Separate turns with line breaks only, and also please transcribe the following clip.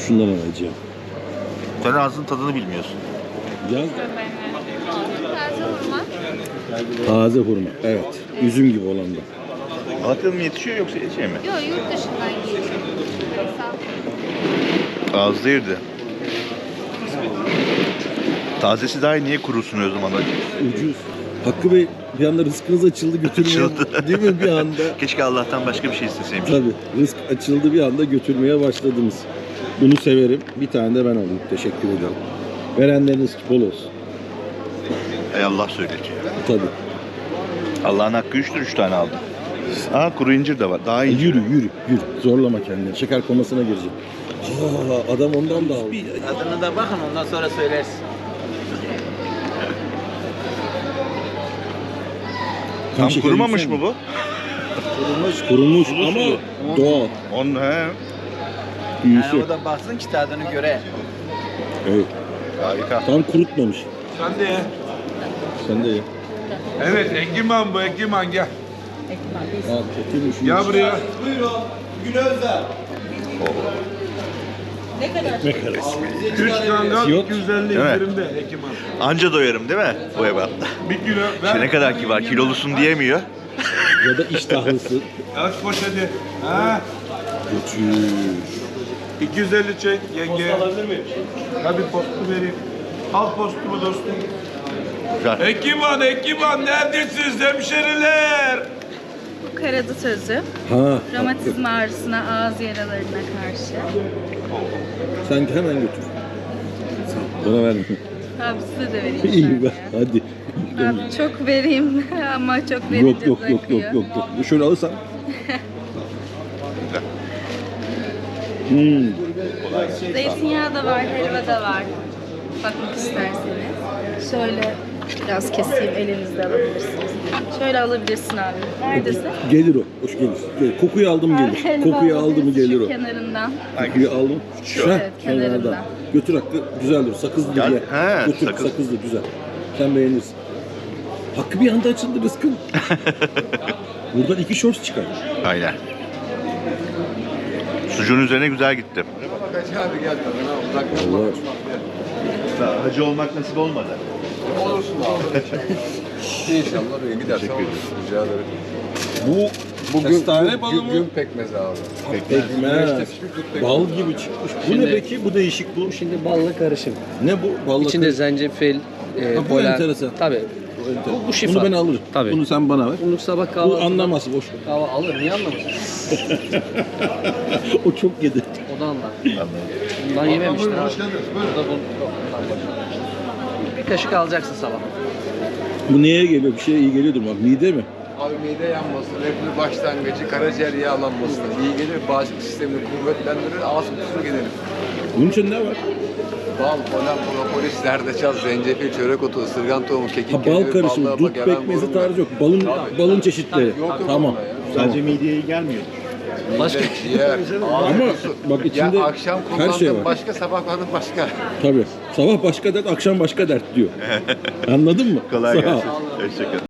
Şundan alacağım.
Sen ağzının tadını bilmiyorsun.
Yaz.
Taze hurma.
Taze hurma. Evet. Üzüm gibi olan da.
Malatya'da mı yetişiyor yoksa şey mi?
Yok, yurt dışından geliyor. Sağ ol.
Ağızda yedi. Tazesi daha iyi, niye kurusun o zaman?
Ucuz. Hakkı Bey, bir anda rızkınız açıldı götürmeye.
Açıldı.
Değil mi bir anda?
Keşke Allah'tan başka bir şey isteseymiş.
Tabii. Rızk açıldı bir anda götürmeye başladınız. Bunu severim. Bir tane de ben alayım. Teşekkür ederim. Verenleriniz bol olsun.
Ey Allah söyletiyor.
Tabii.
Allah'ın hakkı 3'tür, 3 tane aldım. Aa, kuru incir de var. Daha iyi.
Yürü. Zorlama kendini. Şeker komasına girecek. Adam ondan da aldı.
Adını da bakın ondan sonra söylersin.
Tam
şeker
kurumamış
yesene.
mı bu?
Kurumuş
Sulu
ama
sulu.
doğal.
Onun he.
Büyüsü.
Yani o da baksın ki tadını göre.
Evet.
Harika.
Tam kurutmamış.
Sen de ye.
Sen de ye.
Evet, Ekiman bu, Ekiman gel.
Al, kötüymüş.
Gel buraya.
Ekmek arası.
3 kangal
Yok.
250
Değil mi?
indirimde Ekiman.
Anca doyarım değil mi bu ebatta?
1 kilo ver.
İşte ne kadar kibar, kilolusun diyemiyor.
Ya da iştahlısı.
Aç poşeti. Ha?
Götür.
250 çek yenge. Post alabilir miyim? Tabii postu vereyim. Al postumu dostum.
Güzel.
Ekiman neredesiniz hemşeriler?
Bu karadut özü.
Ha.
Romatizma ağrısına, ağız yaralarına karşı.
Sen hemen götür. Bana verme.
Abi size de vereyim.
İyi
şöyle.
be. Hadi.
Abi çok vereyim ama çok verince
Yok.
bırakıyor.
Şöyle alırsan.
Zeytinyağı da var, helva da var. Bakmak isterseniz. Şöyle biraz keseyim, elinizde alabilirsiniz. Şöyle alabilirsin abi. Neredesin?
Gelir o. Hoş gelir. Kokuyu aldım gelir.
Helva
Kokuyu aldı mı
alabilirsin
gelir
şu
o.
kenarından.
Kokuyu aldım. Şu.
Evet, kenarından.
Götür Hakkı. Güzeldir. Sakızlı
Gel.
diye.
He,
Götür.
sakız.
Sakızlı güzel. Sen beğenirsin. Hakkı bir anda açıldı rızkın. Buradan 2 shorts çıkar.
Aynen. Sucuğun üzerine güzel gitti.
Allah.
Hacı olmak nasip olmadı.
Olursun abi. İnşallah öyle gidersen olur. Rica ederim.
Bu
Bugün
kestane balı mı?
gün pekmezi abi.
Pekmez.
Pekmez.
Bal gibi çıkmış. Bu ne peki? Bu değişik bu.
Şimdi ballı karışım.
Ne bu? Ballı
İçinde
kırık.
zencefil,
bu
polen.
enteresan.
Tabii.
Bu enteresan.
bu şifa.
Bunu ben alırım.
Tabii.
Bunu sen bana ver.
Bunu sabah
Bu
kahvaltıda...
anlamaz boş ver.
Kahvaltı alır. Niye anlamaz?
O çok yedi.
O da anlar. Bundan yememiştir abi. Bu da bir kaşık alacaksın sabah.
Bu neye geliyor? Bir şeye iyi geliyordur bak. Mide mi?
Abi mide yanması, reflü başlangıcı, karaciğer yağlanmasına iyi gelir. Bağışıklık sistemini kuvvetlendirir, ağız kokusunu giderir.
Bunun için ne var?
Bal, polen, propolis, zerdeçal, zencefil, çörek otu, ısırgan tohumu, kekik,
Ha, bal
kereviz,
karışımı.
ballığa
Dut
bak, hemen
pekmezi
vurun
tarzı
ver.
yok. Balın
Tabii.
balın çeşitleri.
Yok
Tamam.
onda ya.
Tamam.
mideye gelmiyor.
Başka-
Mide, ciğer, ağız
Ama
kokusu.
bak içinde
ya akşam
her
kullandığın
şey var.
başka, sabah kullandığın başka.
Tabii. Sabah başka dert, akşam başka dert diyor. Anladın mı?
Kolay
Sağ ol.
gelsin. Hoşçakalın.